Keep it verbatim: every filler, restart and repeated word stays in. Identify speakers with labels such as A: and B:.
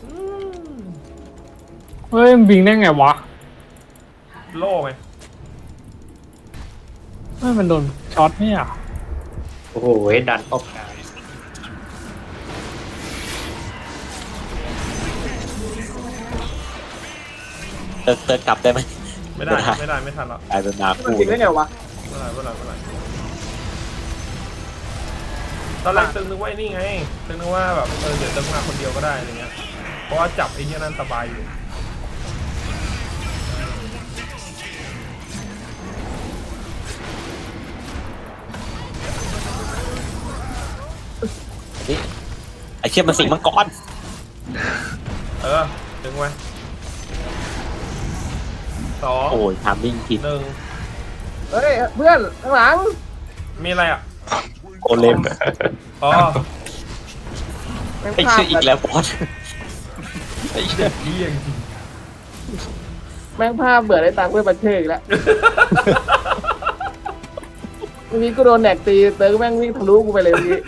A: เฮ้ยมันวิ่งได้ไงวะ
B: โล่ไง
A: เฮ้ยมันโดนช็อตเนี่ย
C: โอ้โหดันออกกลาง
D: เติร์เติร์กลับได้ไหม
B: ไม่ได้ไม่ได้ไม่ทันแล้ว
D: กลายเป็นนา
E: มัน
D: คู่
E: จริงได้ไงวะ
B: ไม่ได้ไม่ได้ไม่ได้ตอนแรกตึงนึกว่าไอ้นี่ไงตึงนึกว่าแบบเออเดี๋ยวตึงมาคนเดียวก็ได้อะไรเงี้ยเพราะว่าจับไอ้เนี่ยนั่นสบายอยู่
D: นี่ไอเชี่ยมันสิงมังกร
B: เออตึงไว้สอง
D: โอ้ยทามมิ่งผิด
B: หนึ่ง
E: เฮ้ยเพื่อนข้างหลัง
B: มีอะไรอ่ะ
D: โกเลม
B: อ๋อ
E: แม่ง
D: ไอ
E: พลาด
D: เชี่ยอีกแล้วบอสไอเชี่ย
B: เยี่ยงจริง
E: แม่งพลาดเบื่อได้ตังค์เพื่อนบันเทิงอีกแล้ววันนี้กูโดนแหนกตีเติร์กแม่งวิ่งทะลุกูไปเลยวันนี้